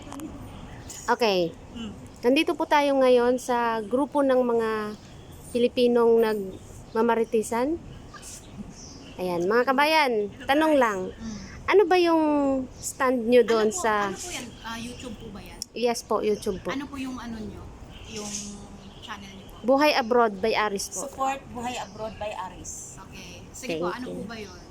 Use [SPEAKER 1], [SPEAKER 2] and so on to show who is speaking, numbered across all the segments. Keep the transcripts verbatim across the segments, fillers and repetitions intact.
[SPEAKER 1] Okay.
[SPEAKER 2] Mm.
[SPEAKER 1] Nandito po tayo ngayon sa grupo ng mga Pilipinong nagmamaritisan. Ayan, mga kabayan, tanong lang. Ano ba yung stand nyo doon
[SPEAKER 2] ano po,
[SPEAKER 1] sa...
[SPEAKER 2] Ano po yan? Ah, YouTube po ba yan?
[SPEAKER 1] Yes po, YouTube po.
[SPEAKER 2] Ano po yung ano nyo? Yung channel nyo po?
[SPEAKER 1] Buhay Abroad by Aris po.
[SPEAKER 3] Support Buhay Abroad by Aris.
[SPEAKER 2] Okay. Sige
[SPEAKER 1] Thank
[SPEAKER 2] po, ano
[SPEAKER 1] you.
[SPEAKER 2] po ba yun?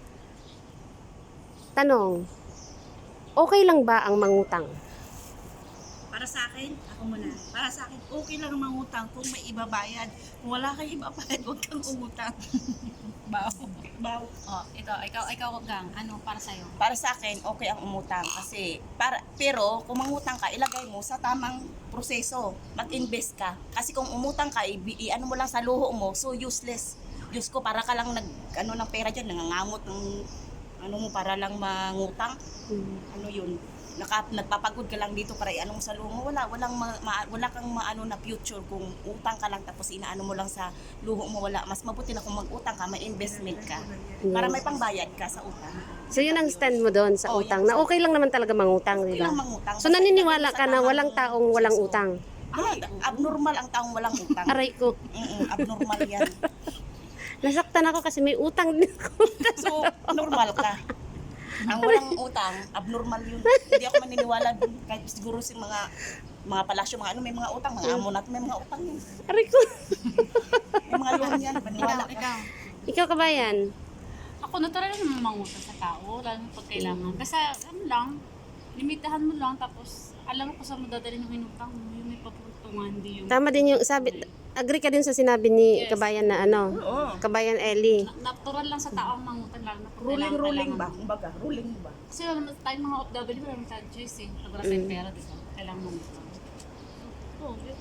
[SPEAKER 1] Tanong, okay lang ba ang mangutang?
[SPEAKER 3] Para sa akin, ako muna. Para sa akin, okay lang mangutang kung may ibabayad. Kung wala kang ibabayad, huwag kang umutang. Baw. Baw.
[SPEAKER 2] Oh, ikaw, ikaw, ikaw, gang. Ano para sa'yo?
[SPEAKER 3] Para sa akin, okay ang umutang kasi para pero kung mangutang ka, ilagay mo sa tamang proseso. Mag-invest ka. Kasi kung umutang ka, i, i- ano mo lang sa luho mo, so useless. Diyos ko, para ka lang nag ano ng pera diyan, nangangamot ng ano mo para lang mangutang.
[SPEAKER 1] Hmm.
[SPEAKER 3] Ano yun? Naka, nagpapagod ka lang dito para iano mo sa luho mo. Wala, walang ma, ma- wala kang maano na future kung utang ka lang tapos inaano mo lang sa luho mo. Wala. Mas mabuti na kung mag-utang ka, may investment ka. Para may pangbayad ka sa utang.
[SPEAKER 1] So yun ang stand mo doon sa
[SPEAKER 3] Oh,
[SPEAKER 1] utang,
[SPEAKER 3] yan.
[SPEAKER 1] na okay lang naman talaga mangutang, di
[SPEAKER 3] Okay lang
[SPEAKER 1] ba?
[SPEAKER 3] mangutang.
[SPEAKER 1] So naniniwala ka na walang taong walang utang?
[SPEAKER 3] Ay, abnormal ang taong walang utang.
[SPEAKER 1] Aray ko,
[SPEAKER 3] Mm-mm, abnormal yan.
[SPEAKER 1] nasaktan ako kasi may utang din ako.
[SPEAKER 3] So, normal ka. Ang walang utang, abnormal yun. Hindi ako maniniwala dun. Kahit siguro si mga mga palasyo, mga ano, may mga utang, mga amo natin, may mga utang yun.
[SPEAKER 1] Aray ko.
[SPEAKER 3] May mga loan yan, maniwala
[SPEAKER 2] Ikaw,
[SPEAKER 3] ka.
[SPEAKER 2] ikaw.
[SPEAKER 1] Ikaw kabayan,
[SPEAKER 4] Ako natural naman mangutang sa tao, lalo na pag kailangan. Kasi ano lang, limitahan mo lang, tapos alam mo kung saan mo dadalhin yung inutang mo, yung may papuntungan, hindi yung...
[SPEAKER 1] tama din yung sabi, agree ka din sa sinabi ni
[SPEAKER 4] Yes.
[SPEAKER 1] kabayan na ano,
[SPEAKER 3] Oo.
[SPEAKER 1] kabayan Ellie.
[SPEAKER 4] Na- Natural lang sa tao ang mangutang, lalo na pag
[SPEAKER 3] Ruling,
[SPEAKER 4] kailangan,
[SPEAKER 3] ruling ba?
[SPEAKER 4] kailangan mo.
[SPEAKER 3] Kumbaga, ruling ba?
[SPEAKER 4] Kasi alam mo, tayong mga O F W, wala naman tayong choice eh. Pag wala tayong
[SPEAKER 1] Mm.
[SPEAKER 4] pera, di ba? Kailangan mangutang. Oo, yun.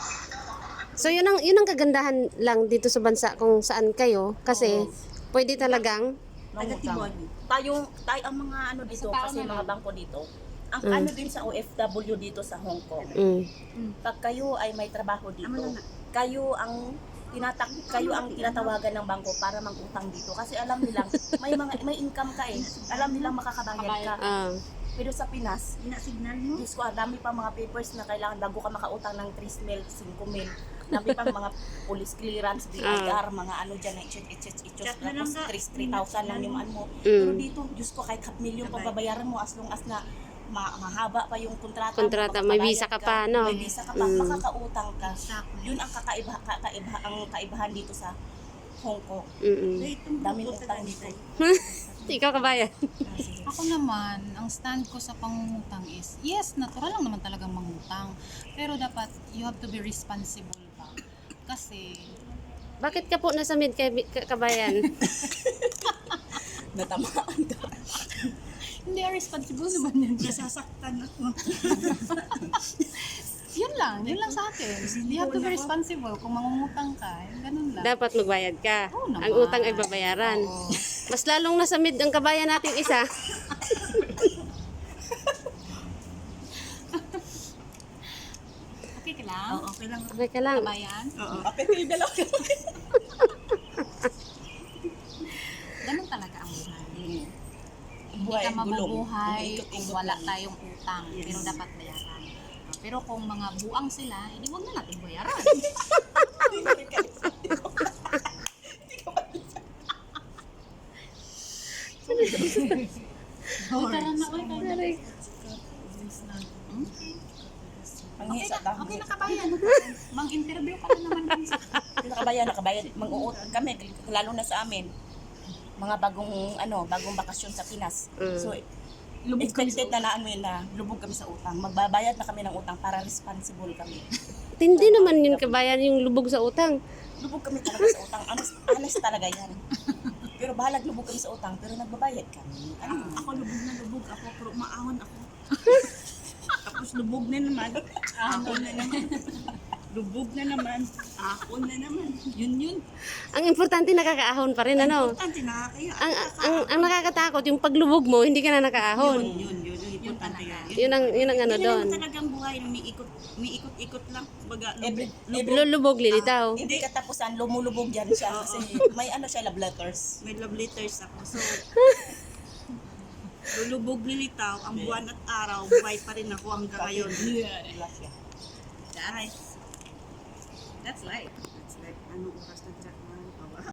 [SPEAKER 1] So yun ang yun ang kagandahan lang dito sa bansa kung saan kayo kasi pwede talagang
[SPEAKER 3] Taga-Timor. Tayo, tayo ang mga ano dito,
[SPEAKER 4] Sa tao
[SPEAKER 3] kasi
[SPEAKER 4] na
[SPEAKER 3] mga
[SPEAKER 4] lang.
[SPEAKER 3] bangko dito, ang
[SPEAKER 1] Mm.
[SPEAKER 3] ano din sa O F W dito sa Hong Kong,
[SPEAKER 1] mm,
[SPEAKER 3] pag kayo ay may trabaho dito, kayo ang tinatak kayo ang tinatawagan ng bangko para mangutang dito kasi alam nilang may mga may income ka eh. Alam nilang makakabayad ka.
[SPEAKER 1] ah,
[SPEAKER 3] Pero sa Pinas, ina-signal mo. Diyos ko, ah, dami pa mga papers na kailangan bago ka makautang ng three mil, five mil. Dami pang mga police clearance, B I R, mga ano dyan, na ichut, ichut, ichut, tapos three thousand lang yung ano mo. Pero
[SPEAKER 1] mm,
[SPEAKER 3] dito, Diyos ko, kahit half million pang babayaran mo as long as na ma- mahaba pa yung kontrata.
[SPEAKER 1] kontrata,
[SPEAKER 3] mo,
[SPEAKER 1] may
[SPEAKER 3] makababayad
[SPEAKER 1] visa ka pa, no?
[SPEAKER 3] May visa ka pa,
[SPEAKER 1] Mm.
[SPEAKER 3] makakautang ka.
[SPEAKER 2] Exactly.
[SPEAKER 3] Yun ang kakaiba, kakaiba, ang kaibahan dito sa Hong Kong.
[SPEAKER 1] mm,
[SPEAKER 3] Daming utang dito.
[SPEAKER 1] ikaw kabayan.
[SPEAKER 2] Ako naman, ang stand ko sa pangungutang is, yes, natural lang naman talagang mangutang. Pero dapat, you have to be responsible pa. Kasi,
[SPEAKER 1] Bakit ka po nasa mid kay ka- kabayan?
[SPEAKER 3] Natamaan ka.
[SPEAKER 2] hindi, responsible naman yun.
[SPEAKER 3] Nasasaktan ako.
[SPEAKER 2] Yun lang, yun lang sa akin. You have to be responsible. Kung mangungutang ka, yun, ganun lang.
[SPEAKER 1] Dapat magbayad ka.
[SPEAKER 2] Oo naman.
[SPEAKER 1] Ang utang ay babayaran.
[SPEAKER 2] Oo.
[SPEAKER 1] Mas lalong nasa mid ang kabayan natin isa.
[SPEAKER 2] Okay ka lang?
[SPEAKER 3] Oo, okay lang.
[SPEAKER 1] Okay ka lang.
[SPEAKER 2] Kabayan?
[SPEAKER 3] Oo. Kapit yung dalawa.
[SPEAKER 2] Ganun talaga ang buhay. Hindi
[SPEAKER 3] Buhay,
[SPEAKER 2] ka
[SPEAKER 3] gulong.
[SPEAKER 2] mabubuhay
[SPEAKER 3] Umiikot-ikot
[SPEAKER 2] kung
[SPEAKER 3] lang.
[SPEAKER 2] wala tayong utang. Pero dapat bayaran. Pero kung mga buang sila, hindi wag na natin bayaran.
[SPEAKER 4] Uy, tara na, uy, tara na.
[SPEAKER 3] Ang
[SPEAKER 2] Okay
[SPEAKER 3] hisa
[SPEAKER 2] na,
[SPEAKER 3] lang.
[SPEAKER 2] okay na kabayan. Mang-interview ka na naman din sa...
[SPEAKER 3] Nakabayan, nakabayan. Mag-uut kami, lalo na sa amin. Mga bagong, ano, bagong bakasyon sa Pinas.
[SPEAKER 1] Mm.
[SPEAKER 3] So, expected na naan mo yun na lubog kami sa utang. Magbabayad na kami ng utang para responsible kami.
[SPEAKER 1] Hindi naman yun kabayan yung lubog sa utang.
[SPEAKER 3] Lubog kami talaga sa utang. Honest, honest talaga yan. Pero bahalag lubog kami sa utang, pero nagbabayad kami. Ano?
[SPEAKER 5] Ako lubog na lubog ako, pero maahon ako. Tapos lubog na naman, ahon na naman. Lubog na naman, ahon na naman. Yun yun.
[SPEAKER 1] Ang importante nakakaahon pa rin, ano?
[SPEAKER 5] Importante, nakakaya.
[SPEAKER 1] Ang, ang, ang nakakatakot, yung paglubog mo, hindi ka na nakaahon.
[SPEAKER 5] Yun, yun, yun, yun, importante yan.
[SPEAKER 1] Yun ang, yun ang ano
[SPEAKER 5] Yun
[SPEAKER 1] doon.
[SPEAKER 5] naman talagang buhay, umiikot, umiikot-ikot lang. Baga,
[SPEAKER 3] Every,
[SPEAKER 5] lubog,
[SPEAKER 3] every,
[SPEAKER 1] Lulubog, lilitaw.
[SPEAKER 3] hindi katapusan, lumulubog yan siya. Kasi may ano siya, love letters.
[SPEAKER 5] may love letters ako. So, lulubog nilitaw ang buwan at araw, buhay pa rin ako hanggang ngayon. That's, that's life. That's life. Anong oras na